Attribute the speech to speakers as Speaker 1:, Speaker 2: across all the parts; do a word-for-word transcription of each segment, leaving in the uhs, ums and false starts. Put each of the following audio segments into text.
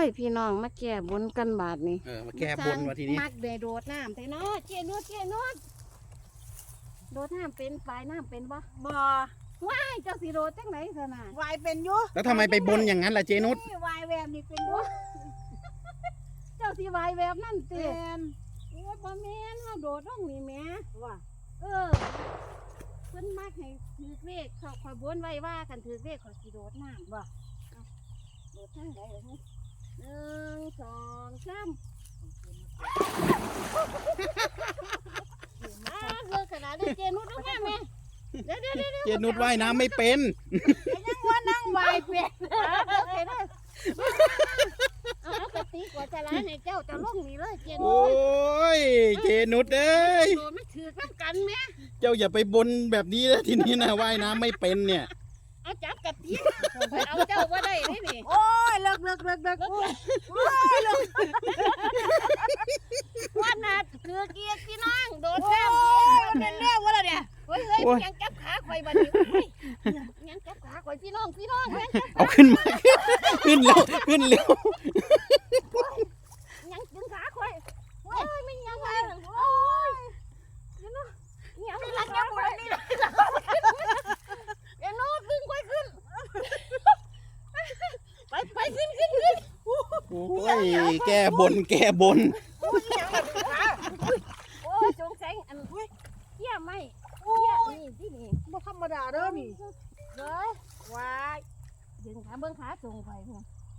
Speaker 1: ยพี่น้องมาแก้บนกันบาทนี่
Speaker 2: เออมาแก้บนมาทีนี้
Speaker 1: มักเดโดดน้ำแต่เนาะเจนุดเจนุดโดดน้ำเป็นปลายน้ำเป็นบ่
Speaker 3: บ่
Speaker 1: ว้ายเจ้าสีโดดจังไหนสนะ
Speaker 3: วายเป็นอยู่
Speaker 2: แล้วทำไมไปบนอย่างนั้นล่ะเจนุช
Speaker 3: วายแวมนี่เป็นอยู่
Speaker 1: เจ้าสีวายแบบนั่นเตี้ย
Speaker 3: แม่น
Speaker 1: โอ้ยบ่แม่นเฮาโดดลงนี่แหม่
Speaker 3: ว่า
Speaker 1: เออเพิ่นมักให้ถือเลขเขาคอยบนไว้ว่ากันถือเลขขอยสิโดดน้ำบ่เอาโดดทางไหนเหรอฮะหนึ่งสองสามอ่าเลิกขนาดนี้เจนุดลงมาแม่เดี๋ยวเดี๋ยวเดี๋ยว
Speaker 2: เจนุชว่ายน้ำไม่เป็น
Speaker 3: ยังว่านั่งวายเป็น
Speaker 1: โอเคได้เอาเอากระติกว่าจะล้างให้เจ้าจะลงนี่เลยเจนุ
Speaker 2: โอ้
Speaker 1: ด
Speaker 2: ยเจนุชเอ้ย
Speaker 1: โดดมันถือกันกันแม่
Speaker 2: เจ้าอย่าไปบนแบบนี้นะทีนี้นะว่ายน้ำไม่เป็นเนี่ย
Speaker 1: เอาจับกระติกไปเอาเจ้าว่าได้นี่นี่
Speaker 3: โอ้ยเลิกเลิกเลิกเลิกโอ้ยโอ้ยเลิก
Speaker 1: ว่านาถือเกียร์พี่น้องโดด
Speaker 3: โอ้
Speaker 1: ข้าม
Speaker 3: ยเป็นเรื่องวะล่ะเนี่ย
Speaker 1: เฮ้ยเฮ้ยยังจับขาข่อยบัดนี้เฮ้ยยังจับขาข่อยพี่น้องพี่น้องยังจับ
Speaker 2: เอาขึ้นมา ขึ้นเร็วขึ้นเร็ว
Speaker 1: ยังดึงขาข่อยเฮ้ยไม่ยังไงโอ้ยพี่น้องยังไม่รักยังไม่นี่เดี๋ยวนู้ดึงข่อยขึ้นไปไปขึ้นขึ้นขึ้น
Speaker 2: โอ้ยแก้บนแก้บน
Speaker 3: โอ้ยยังมาดึงขา
Speaker 1: โอ้ยจงแสงอันเที่ยไม่
Speaker 3: โอ้
Speaker 1: เที่ย
Speaker 3: ย
Speaker 1: นี่ที่นี่
Speaker 3: บ่ธรรมดาเด้อนี่
Speaker 1: เลยว
Speaker 3: าย
Speaker 1: ดึงขาเบิ้งขาจงไปพุ่น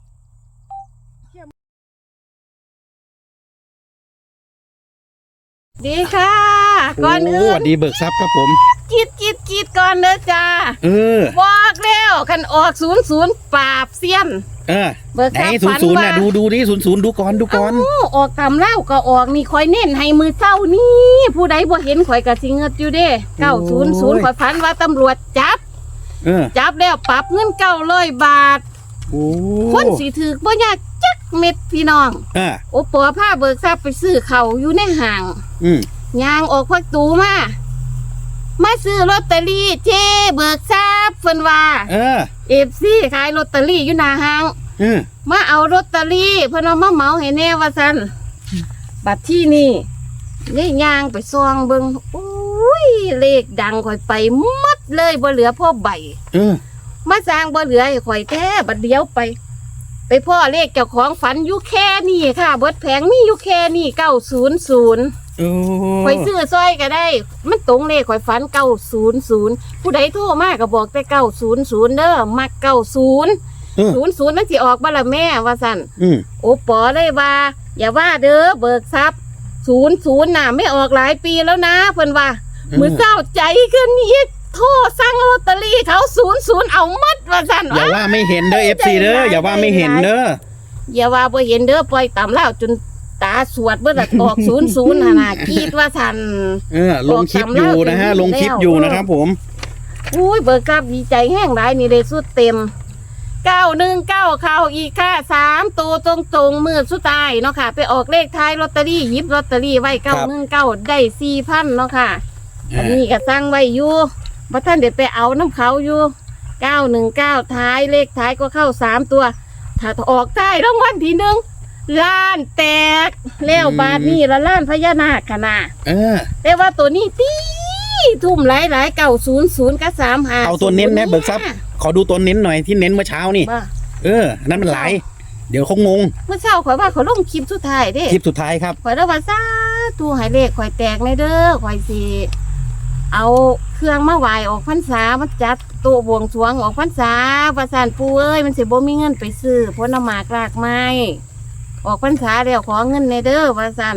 Speaker 1: ดีค่ะก่อน
Speaker 2: โอ้
Speaker 1: อื่
Speaker 2: สวัน สดีเบิกทรัพย์ครับผม
Speaker 1: กิดกิดกิดก่อนเด้อจ้า
Speaker 2: เออ
Speaker 1: บอกแล้วคันออกศูนย์ศูนย์ปราบเซียน
Speaker 2: เออ
Speaker 1: เบิก
Speaker 2: ไหน
Speaker 1: ทรัพย์
Speaker 2: ศูน
Speaker 1: ฝั
Speaker 2: ย์
Speaker 1: น
Speaker 2: ศูนย์
Speaker 1: ว่า
Speaker 2: น่ะดูดูดิศูนย์ศูนย์ดูก่อนดูก่อน
Speaker 1: เอ้าออกตามเล่าก็ออกนี่คอยเน้นให้มือเศร้านี่ผู้ใดบ่เห็นข่อยก็สิเงิดอยู่เด้เก้าศูนย์ศูนย์ข่อยฝันว่าตำรวจจับ
Speaker 2: เออ
Speaker 1: จับแล้วปรับเงินเก้าร้อยบาท
Speaker 2: โอ้
Speaker 1: คนสิถือบ่ยากจักเม็ดพี่น้อง
Speaker 2: อ่า
Speaker 1: โอปอผ้าเบิกทรัพย์ไปซื้อเขาวอยู่ในห้าง
Speaker 2: อืม
Speaker 1: ยางออกพักตูมา มาซื้อลอตเตอรี่เจเบิกทรัพย์เพิ่นว่า
Speaker 2: เออ
Speaker 1: เอฟซีขายลอตเตอรี่อยู่หน้าห้าง
Speaker 2: เออ
Speaker 1: มาเอาลอตเตอรี่เพิ่นเอามาเหมาให้แน่ว่าซั่นบัดที่นี่นี่ยางไปซองเบิ่งอุ้ยเลขดังข่อยไปหมดเลยบ่เหลือพ่อใบ
Speaker 2: เออ
Speaker 1: มาสร้างบ่เหลือให้ข่อยแท้บัดเดียวไป ไปพ่อเลขเจ้าของฝันอยู่แค่นี้ค่ะเบิดแผงมีอยู่แค่นี้เก้าศูนย์ศูนย์
Speaker 2: โอ้
Speaker 1: ข่อยซื้อซอยก็ได้ มันตรงเลขข่อยฝันเก้าศูนย์ศูนย์ผู้ใดโทรมาก็บอกแต่เก้าศูนย์ศูนย์เด้อมักเก้าศูนย์
Speaker 2: เออ
Speaker 1: ศูนย์ศูนย์นั่นสิออกบ่ล่ะแม่ว่าซั่น
Speaker 2: อืม
Speaker 1: โอปอเลยว่า อย่าว่าเด้อเบิกทรัพย์ศูนย์ศูนย์น่ะไม่ออกหลายปีแล้วนะเพิ่นว่ามื้อเช้าใจขึ้นอีกโทรสั่งลอตเตอรี่เขาศูนย์ศูนย์เอาหมดว่าซั่น
Speaker 2: อย่าว่าไม่เห็นเด้อเอฟซีเด้ออย่าว่าไม่เห็นเด้อ
Speaker 1: อย่าว่าบ่เห็นเด้อปล่อยตามแล้วจนตาสวดเบิดละออกศูนย์ศูนย์น่ะนะคิดว่าซั่น
Speaker 2: เออลงคลิปอยู่นะฮะลงคลิปอยู่นะครับผม
Speaker 1: อุ้ยเบิกทรัพย์ดีใจแห้งหลายนี่เลยสุดเต็มเก้าหนึ่งเก้าเข้าอีกค่ะสามตัวตรงตรงๆมือสุดท้ายเนาะค่ะ ไปออกเลขท้ายลอตเตอรี่หยิบลอตเตอรี่ไว้เก้าหนึ่งเก้าได้สี่พันเนาะค่ะอันนี้ก็สร้างไว้อยู่บ่ท่านเดี๋ยวไปเอาน้ำเขาอยู่เก้าหนึ่งเก้าท้ายเลขท้ายก็เข้าสามตัว ถ้าออกใต้รางวัลที่หนึ่งล้านแตกแล้วบาทนี้ละล้านพญานาคขนาด
Speaker 2: เออ
Speaker 1: แต่ว่าตัวนี้ตีทุ่มหลายหลายเก้าศูนย์ศูนย์กับสามหา
Speaker 2: เอาตัวเน้นนะเบิกทรัพย์ขอดูตัวเน้นหน่อยที่เน้นเมื่อเช้านี่
Speaker 1: ว่า
Speaker 2: เอออันนั้นมันหลายเดี๋ยวเขางง
Speaker 1: เมื่อเช้าข่อยว่าเขาลงคลิปสุดท้ายเด้
Speaker 2: คลิปสุดท้ายครับ
Speaker 1: ข่อยแล้วว่าซาตูหายเลขข่อยแตกในเด้อข่อยสิเอาเครื่องมาไหวออกพรรษามาจัดโต๊ะบวงสรวงออกพรรษาประสานปูเอ้ยมันสิบ่มีเงินไปซื้อผลไม้รากไม้ออกพรรษาแล้วขอเงินในเด้อว่าซั่น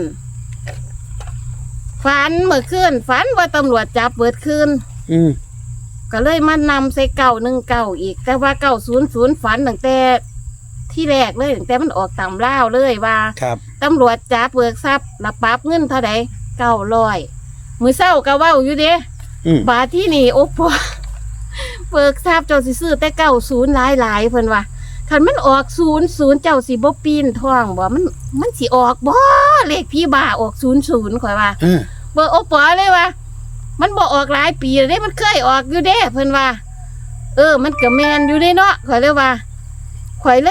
Speaker 1: ฝันเมื่อคืนฝันว่าตำรวจจับเบิดคืน
Speaker 2: อืม
Speaker 1: ก็เลยมานำใส่เก่าหนึ่งเก่าอีก แต่ว่าเก่าศูนย์ศูนย์ฝันตั้งแต่ที่แรกเลยตั้งแต่มันออกตามล่าวเลยว่า
Speaker 2: ครับ
Speaker 1: ตำรวจจับเบิกทรัพย์รับปรับเงินเท่าใดเก้าร้อยมือเศร้าก็เว้าอยู่เด้
Speaker 2: อืม
Speaker 1: บาทที่นี่โอ้ปอเบิกทรัพย์เจ้าสิซื้อแต่เก้าศูนย์หลายหลายเพิ่นว่าคันมันออกศูนย์ศูนย์เจ้าสิบ่ปีนท้องบ่มันมันสิออกบ่เลขพี่บ้าออกศูนย์ศูนย์ข่อยว่า
Speaker 2: เออ
Speaker 1: เบอร์โอปอเลยว่ามันบอกออกหลายปีแล้วเด้มันเคยออกอยู่เด้เพิ่นว่า เออ มันก็แมนอยู่เด้เนาะข่อยเลยว่าข่อยเลย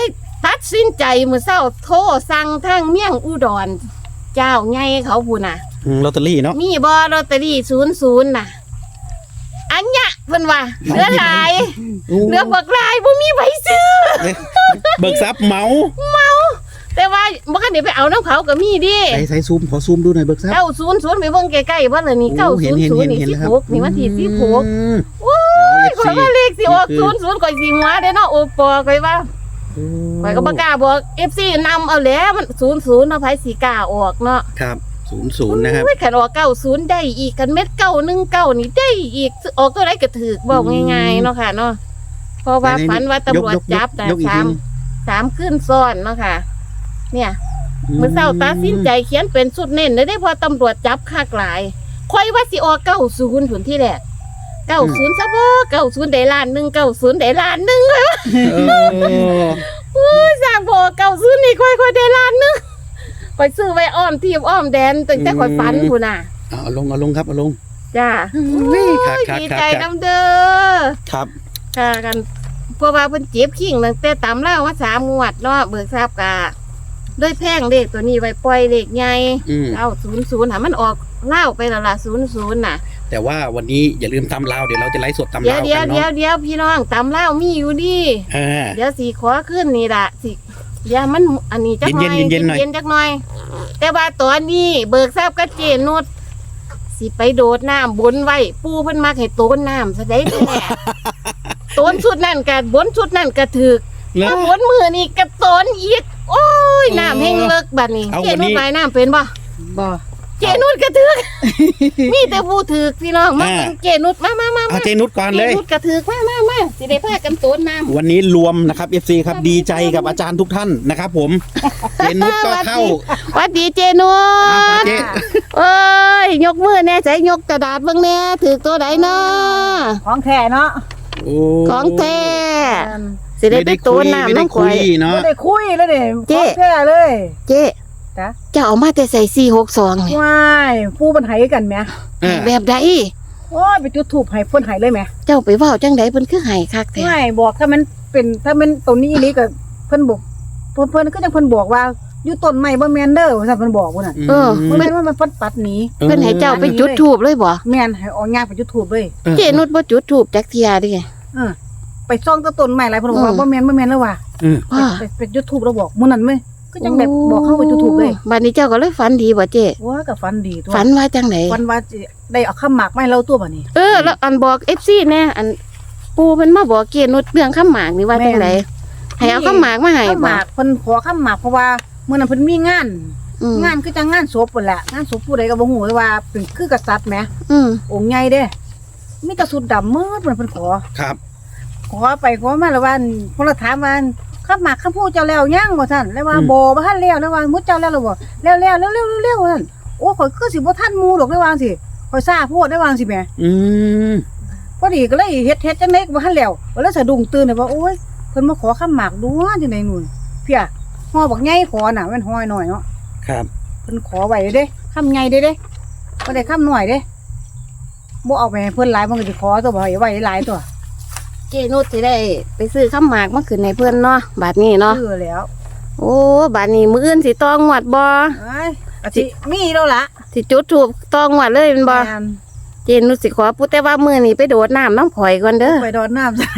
Speaker 1: ตัดสินใจมื้อเช้าโทรสั่งทางเมียงอุดร เจ้าใหญ่เขาพูน่ะ
Speaker 2: อืมลอตเตอรี่เนาะ
Speaker 1: มีบ่ลอตเตอรี่ศูนย์ศูนย์น่ะ อันเนี้ยเพิ่นว่าเหลือหลายเหลือบักหลายบ่มีไผซื้อ
Speaker 2: เบิกทรัพย์เมา
Speaker 1: แต่ว่าบ่คันได้ไปเอาน้ำเขาก็มีดิ
Speaker 2: ใส่ใส่ซูมขอซูมดูหน่อยเบิกทรัพย์
Speaker 1: เก้าศูนย์ศูนย์ไปเบิ่งใกล้ๆบ่ล่ะนี่
Speaker 2: โอ้
Speaker 1: เก้า
Speaker 2: เห็
Speaker 1: ศู
Speaker 2: น
Speaker 1: นย์
Speaker 2: เห็น
Speaker 1: ศูนย์นี่
Speaker 2: เห็น
Speaker 1: สิ
Speaker 2: แล้ว
Speaker 1: บ
Speaker 2: ครับ
Speaker 1: หกนี่วันที่สิบหก
Speaker 2: อืม
Speaker 1: โอ้ยข่อยว่าเลขสิออกศูนย์ศูนย์ข่อยสิหัวเด้เนาะโอปอข่อยว่าข่อยก็บ่กล้าบอก เอฟ ซี นำเอาแล้วมันศูนย์ศูนย์เนาะไผสิกล้าออกเนาะ
Speaker 2: ครับศูนย์ศูนย์นะครับ
Speaker 1: โอ้ยคันออกเก้าศูนย์ได้อีกกันเม็ดเก้าหนึ่งเก้านี่ได้อีกออกตัวใดก็ถูกบอกง่ายๆเนาะค่ะเนาะเพราะว่าฝันว่าตำรวจจับแต่
Speaker 2: ยกอีก
Speaker 1: สา
Speaker 2: ที
Speaker 1: มสามขึ้นซ้อนเนาะค่ะ เนี่ยมื้อเช้าตัดสินใจเขียนเป็นสุดเน้นเลยได้พอตำรวจจับคักหลายค่อยว่าสิออกเก้าศูนย์ผลที่แรกเก้าศูนย์ซะบ่เก้าศูนย์ได้ล้านหนึ่งเก้าศูนย์ได้ล้านหนึ่งเลย
Speaker 2: เออ
Speaker 1: โอ้ยสร้างบ่เก้าศูนย์นี่ค่อยค่อยได้ล้านหนึ่งค่อยซื้อไว้อ้อมทีมอ้อมแดนตั้งแต่ค่อยฝันพุ่นน่ะ
Speaker 2: เอาลงเอาลงครับเอาลง
Speaker 1: จ้า
Speaker 2: ครับครับ
Speaker 1: ดี
Speaker 2: ครับ
Speaker 1: ใจนำเด้อ
Speaker 2: ครับ
Speaker 1: ค่ะกันเพราะว่าเพิ่นเจ็บขิงตั้งแต่ตำเล่าว่าสามงวดเนาะเบิกทราบกะด้วยแพงเลขตัวนี้ไว้ปล่อยเลขใหญ่
Speaker 2: อืม
Speaker 1: เอาศูนย์ศูนย์หามันออกเล่าไปแล้วล่ะศูนย์ศูนย์น่ะ
Speaker 2: แต่ว่าวันนี้อย่าลืมตำลาวเดี๋ยวเราจะไลฟ์สดตำ
Speaker 1: เดี๋ย
Speaker 2: ลาว ว
Speaker 1: เดี๋ยว
Speaker 2: กัน
Speaker 1: เดี๋ยว
Speaker 2: เนาะ
Speaker 1: เดี๋ยวพี่น้องตำเล่ามีอยู่ดิ
Speaker 2: อ่า
Speaker 1: เดี๋ยวสีขอขึ้นนี่ล่ะสิเดี๋ยวมันอันนี้จักหน่อย
Speaker 2: เย็นๆเย็นๆหน่อย
Speaker 1: เย็นๆจักหน่อย แต่ว่าตอนนี้เบิกทราบกับเจนุชสิไปโดดน้ำบนไว้ปูเพิ่นมักให้โตนน้ำซะได้แท้โตนชุดนั่นกับบนชุดนั่นก็ถึก
Speaker 2: แล้ว
Speaker 1: ถ้าบนมือนี่กระโตนอีกโอ้ยน้ำแห้งเลิกบัดนี้
Speaker 2: เอา
Speaker 1: เจ
Speaker 2: วันนี้
Speaker 1: นุชลายน้ำเป็นบ่
Speaker 3: บ่
Speaker 1: เจนุชกระถึก มีแต่ผู้ถึกพี่น้องมา
Speaker 2: อ่า
Speaker 1: เป็นเจนุชมามามา
Speaker 2: เอา
Speaker 1: มา
Speaker 2: เจนุชก่อน
Speaker 1: เจ
Speaker 2: เลย
Speaker 1: นุชกระถึกมามามาสิได้พากันโตนน้ำ
Speaker 2: วันนี้รวมนะครับ เอฟ ซี ครับดีใจกับอาจารย์ทุกท่านนะครับผม เจนุชก็เข้า
Speaker 1: หวัดดีเจนุช
Speaker 2: เจ
Speaker 1: เอ้ยยกมือแน่ใจยกกระดาษเบิ่งแน่ถือตัวใดเนาะ
Speaker 3: ของแท้เนาะ
Speaker 2: โอ้
Speaker 1: ของแท้สิได้
Speaker 2: ไม่
Speaker 1: ไป
Speaker 2: ได้
Speaker 1: โต
Speaker 2: คุย
Speaker 1: นน้ำ
Speaker 2: ไม่ได้
Speaker 1: น้ำข่
Speaker 2: คุ
Speaker 1: อย
Speaker 2: ยเนาะ
Speaker 3: ไม่ได้คุยเลยเนี่ย
Speaker 1: เจ๊
Speaker 3: ของแท้เลย
Speaker 1: เจ๊
Speaker 3: จ้ะ
Speaker 1: จะเอามาแต่ใส่สี่หกสองนี่
Speaker 3: ว้ายผู้บันไห้กันไหม
Speaker 2: เออ
Speaker 1: แบบใด
Speaker 3: โอ้ยไปจุดถูกไห้เพ่นไห้เลยไหม
Speaker 1: เจ้าไปเว้าจังใดเพิ่นคือให้คักแท้
Speaker 3: ไม่บอกถ้ามันเป็นถ้ามันตัวนี้นี่ก็เพิ่นบอกเพิ่นเพิ่นก็จังเพิ่นบอกว่าอยู่ต้นไม้บ่แม่นเด้อว่าซั่นเพิ่นบอกว่าน่ะ
Speaker 1: เออ
Speaker 3: บ่แม่นว่ามันเพิ่นตัดหนี
Speaker 1: เพิ่นให้เจ้าไปจุดธูปเลยบ่
Speaker 3: แม่นให้ออกย่างไปจุดถูกเลย
Speaker 1: เจนุชบ่จุดธูปจักเที่ยเดิ
Speaker 3: เออไปซ่องกับต้นไม้หลายเพิ่นบอกว่า
Speaker 1: อืม
Speaker 3: บ่แม่นบ่แม่นแล้วว่ะ
Speaker 2: เออ
Speaker 1: ว่า
Speaker 3: ไปไปจุดถูกแล้วบอกมื้อนั้นเว้ยก็จังแบบบอกเข้าไปจุดถูกเลย
Speaker 1: บัดนี้เจ้าก็เลยฝันดีบ่เจ๊
Speaker 3: ว่าก็ฝันดีตัว
Speaker 1: ฝันว่าจังได
Speaker 3: ฝันว่าสิได้เอาข้าวหมากมาให้เราตัวบัดนี้
Speaker 1: เออแล้วอันบอก เอฟ ซี แน่อันปู่เพิ่นมาบอกเจนุชเรื่องคำหมากนี่ว่าจังไดให้เอาคำหมากมาให้
Speaker 3: ข้าวห
Speaker 1: บ่
Speaker 3: มากเพิ่นขอข้าวหมากเพราะว่ามื้อนั้นเพิ่นมีงาน
Speaker 1: อืม
Speaker 3: งานคือจังงานศพพุ่นแหละงานศพผู้ใดก็บ่ฮู้เลยว่าเป็นคือกษัตริย์แหม
Speaker 1: อืม
Speaker 3: องค์ใหญ่เด้มีแต่สุดดำมืดเพิ่นเพิ่นขอ
Speaker 2: ครับ
Speaker 3: ขอไปขอมาแล้วว่าเพิ่นละถามว่าข้าวหมากข้าวผู้เจ้าแล้วยังบ่ท่านแล้วว่าบ่บ่ทันแล้วแล้วว่ามุดเจ้าแล้วหรือบ่แล้วแล้วเร็วๆเร็วๆว่าซั่นโอ้ข่อยคือสิบ่ทันหมู่ดอกได้ว่าสิข่อยซ่าโพดได้ว่าสิแหม
Speaker 2: อืม
Speaker 3: พอดีก็เลยเฮ็ดเฮ็ดจังได๋ก็บ่ทันแล้วก็เลยสะดุ้งตื่นเลยว่าโอ้ยเพิ่นมาขอข้าวหมากดูว่าจังได๋นู่นเพียฮอบักใหญ่ขอน่ะมันฮอยน้อยเนาะ
Speaker 2: ครับ
Speaker 3: เพิ่นขอไว้เด้คำใหญ่เด้เด้บ่ได้คำน้อยเด้บ่เอาไปให้เพิ่นหลายมันก็สิขอตัวบ่ให้ไว้หลายตัว
Speaker 1: เจนุชสิได้ไปซื้อคำหมากมาขึ้นให้เพิ่นเนาะบัดนี้เนาะ
Speaker 3: ซื้อแล้ว
Speaker 1: โอ้บัดนี้มื้ออื่นสิตองวดบ่
Speaker 3: เอ้ยก็สิมีแล้วล่ะ
Speaker 1: สิจุดธูปตองวดเลยแม่นบ่
Speaker 3: แม่น
Speaker 1: เจนุชสิขอพูดแต่ว่ามื้อนี้ไปโดดน้ำน้ำข่อยก่อนเด้อ
Speaker 3: ไปโดดน้ำใส่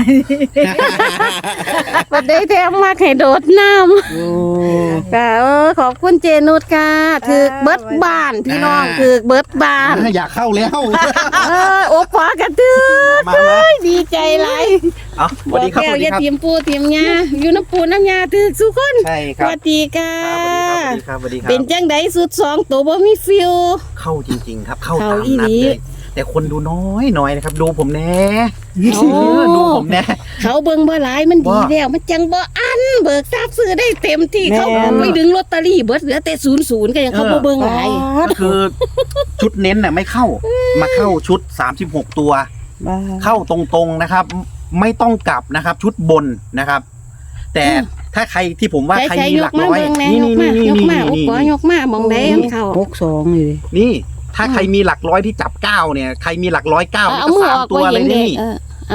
Speaker 1: บัดได้แถมมาให้โดดน้ำ
Speaker 2: โอ้
Speaker 1: ค่ะเออขอบคุณเจนุชค่ะถือเบิดบ้านพี่น้องถือเบิดบ้าน
Speaker 2: อยากเข้าแล้ว
Speaker 1: เออโอปอกระตือ
Speaker 2: มามา
Speaker 1: ดีใจหลาย
Speaker 2: เอาสวัสดีครับ
Speaker 1: แก้
Speaker 2: ส
Speaker 1: ว
Speaker 2: วัส
Speaker 1: อ
Speaker 2: ดี
Speaker 1: ย่า
Speaker 2: ครับ
Speaker 1: เตรียมปูเตรียมยาอยู่น้ำปูน้ำยาถือสุกคน
Speaker 2: ใช่
Speaker 1: ส
Speaker 2: ครับ
Speaker 1: วัสดีค่ะ
Speaker 2: ครับสวัสดีครับสวัสดีครับ
Speaker 1: เป็นจังไดสุดสองตัวบ่มีฟิว
Speaker 2: เข้าจริง ๆ ครับ เข้า
Speaker 1: เข้า
Speaker 2: ตาม
Speaker 1: อีห
Speaker 2: นัด
Speaker 1: ลี
Speaker 2: เลย แต่คนดูน้อยน้อยนะครับ ดูผมแน่
Speaker 1: โอ้
Speaker 2: ดูผมแน่
Speaker 1: เขาเบิ่งบ่หลายมันดี
Speaker 2: ว่า
Speaker 1: แล้วมันจังบ่อันเบิกทราบซื้อได้เต็มที่
Speaker 3: แม่
Speaker 1: เขาไม่ดึงลอตเตอรี่เบิดเหลือแต่ศูนย์ศูนย์ก็ยังเขาบ่เบิ่งหลาย
Speaker 2: ก็คือชุดเน้นน่ะไม่เข้า มาเข้าชุดสามสิบหกตัว เข้าตรงๆนะครับ ไม่ต้องกลับนะครับ ชุดบนนะครับ แต่ถ้าใครที่ผมว่า
Speaker 1: ใช้
Speaker 2: ใคร
Speaker 1: ใช้
Speaker 2: มี
Speaker 1: ย
Speaker 2: หลั
Speaker 1: ก
Speaker 2: ก
Speaker 1: มา
Speaker 2: ร้อย
Speaker 1: เบิ่งแน่
Speaker 2: นี่
Speaker 1: ยก
Speaker 2: นี่
Speaker 1: มา
Speaker 2: นี่
Speaker 1: ยก
Speaker 2: นี่
Speaker 1: มาอุป
Speaker 2: นี่
Speaker 1: กรณ์ยกมามองได้มันเข้า
Speaker 3: หกสองอยู่ดิ
Speaker 2: นี่ ถ้าใครมีหลักร้อยที่จับเก้าเนี่ย ใครมีหลักร้อยเก้า
Speaker 1: เอา
Speaker 2: นี่
Speaker 1: เอา
Speaker 2: ก็
Speaker 1: มือ
Speaker 2: สา
Speaker 1: อ
Speaker 2: ม
Speaker 1: อก
Speaker 2: ตัว
Speaker 1: บ่
Speaker 2: เล
Speaker 1: เห็
Speaker 2: ย
Speaker 1: นเด้
Speaker 2: นี่
Speaker 1: เออเอา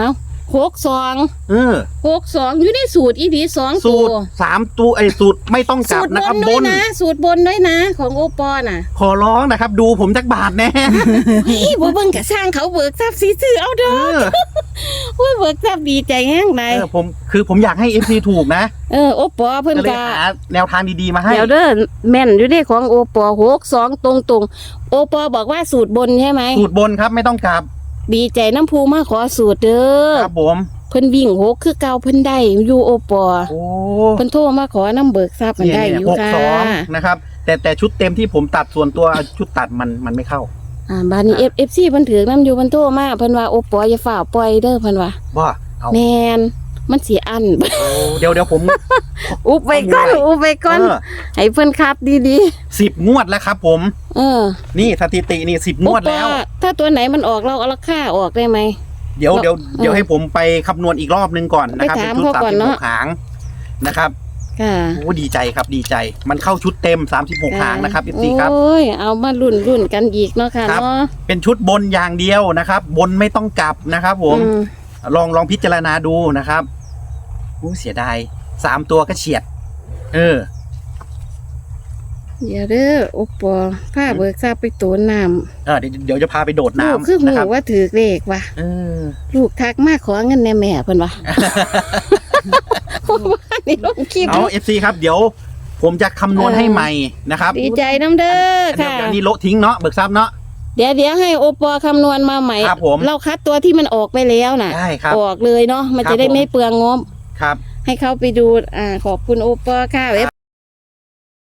Speaker 1: หกสอง
Speaker 2: เออ
Speaker 1: หกสองอยู่ในสูตรอีดีสอง
Speaker 2: สู
Speaker 1: ตั
Speaker 2: ตร
Speaker 1: ว
Speaker 2: สามตัวไอ้สูตรไม่ต้องก
Speaker 1: สู
Speaker 2: ลับ
Speaker 1: ตร
Speaker 2: นะ
Speaker 1: บ
Speaker 2: ครับ
Speaker 1: น
Speaker 2: บ
Speaker 1: ด้วย
Speaker 2: น
Speaker 1: นะ สูตรบนด้วยนะ ของโอปอน่ะ
Speaker 2: ขอร้องนะครับ ดูผมจักบาทแน่
Speaker 1: นี่บ่เบิ่งกะสร้างเขาเบิกทรัพย์สีซื้อเอาเด้
Speaker 2: เอ
Speaker 1: อ
Speaker 2: อ
Speaker 1: โอ้ยเบิกทรัพย์ดีใจแห้งไหน
Speaker 2: เออผมคือผมอยากให้เอฟซีถูกนะ
Speaker 1: เออโอปอเพิ่น
Speaker 2: ก็เลย
Speaker 1: กะ
Speaker 2: หาแนวทางดีๆมาให้
Speaker 1: เดี๋ยวเด้อแม่นอยู่เด้ของโอปอหกสองตรงตรงๆโอปอบอกว่าสูตรบนใช่ไหม
Speaker 2: สูตรบนครับไม่ต้องกลับ
Speaker 1: ดีใจน้ำพูมาขอสูตรเด้อ
Speaker 2: ครับผม
Speaker 1: เพิ่นวิ่งหกคือเก่าเพิ่นได้อยู่โอปอ
Speaker 2: โอ้
Speaker 1: เพิ่นโทรมาขอน้ำเบิกทรัพย์มัน
Speaker 2: เนี่ย
Speaker 1: ได้อ
Speaker 2: เนี่ย
Speaker 1: ยู่
Speaker 2: หก
Speaker 1: ค่ะ
Speaker 2: สองนะครับ แต่แต่ชุดเต็มที่ผมตัดส่วนตัวชุดตัดมันมันไม่เข้า
Speaker 1: อ่าบ้านนี้ F FC เพิ่นถือน้ำอยู่เพิ่นโทรมาเพิ่นว่าโอปออย่าฝ่าปล่อยเด้อเพิ่นว่า
Speaker 2: ว่าเอา
Speaker 1: แม่นมันสิอัน
Speaker 2: โอ้เดี๋ยวเดี๋ยวผม
Speaker 1: อุบไปก่อนอุบไปก่อน
Speaker 2: เออ
Speaker 1: ให้เพิ่นคัดดี
Speaker 2: สิบงวดแล้วครับผม
Speaker 1: ๆเออ
Speaker 2: นี่สถิตินี่สิบงวดแล้ว
Speaker 1: โอปอถ้าตัวไหนมันออกเราเอาราคาออกได้ไหม
Speaker 2: เดี๋ยวเดี๋ยว
Speaker 1: เออ
Speaker 2: เดี๋ยวให้ผมไปคำนวณอีกรอบนึงก่อนนะครับ
Speaker 1: ไป
Speaker 2: เป็น
Speaker 1: ถาม
Speaker 2: ชุด
Speaker 1: เขา
Speaker 2: สาม
Speaker 1: ก่อน
Speaker 2: สิบ
Speaker 1: เน
Speaker 2: ห
Speaker 1: อะ
Speaker 2: กหางนะครับ
Speaker 1: ค่ะ
Speaker 2: โอ้ดีใจครับดีใจ มันเข้าชุดเต็มสามสิบหกหางนะครับพี่ตีครับ
Speaker 1: โอ้ยเอามารุ่นรุ่นกันอีกเนาะค่ะ
Speaker 2: ครับ
Speaker 1: เนาะ
Speaker 2: เป็นชุดบนอย่างเดียวนะครับ บนไม่ต้องกลับนะครับ ผม
Speaker 1: อืม
Speaker 2: ลองลองพิจารณาดูนะครับโอ้เสียดายสามตัวก็เฉียด เออ
Speaker 1: เดี๋ยวเด้อโอปอผ้าเบิกทราบไปตัวน้
Speaker 2: เออเดี๋ยวเดี๋ยวจะพาไปโดด
Speaker 1: ำลูกคือ
Speaker 2: น้ำ
Speaker 1: หู
Speaker 2: นะครับ
Speaker 1: ว่าถือเลขว่ะ
Speaker 2: เออ
Speaker 1: ลูกทักมาขอเงินแน่แม่เพิ่นว่ะว่านี่ลงคลิป
Speaker 2: เอาเอฟซีครับ เดี๋ยวผมจะคำนวณ
Speaker 1: เออ
Speaker 2: ให้ใหม่นะครับ
Speaker 1: ดีใจน้ำเด้อ
Speaker 2: เดี๋ยว
Speaker 1: ค่ะ
Speaker 2: เดี๋ยวนี้โละทิ้งเนาะเบิกทรัพย์เนาะ
Speaker 1: เดี๋ยวเดี๋ยวให้โอปอคำนวณมาใหม่
Speaker 2: ครับผม
Speaker 1: เราคัดตัวที่มันออกไปแล้วน่ะ
Speaker 2: ได้ครับ
Speaker 1: ออกเลยเนาะมัน
Speaker 2: ครับ
Speaker 1: จะได้
Speaker 2: ผม
Speaker 1: ไม่เปลืองงบ
Speaker 2: ครับ
Speaker 1: ให้เขาไปดูอ่าขอบคุณโอปอค่ะ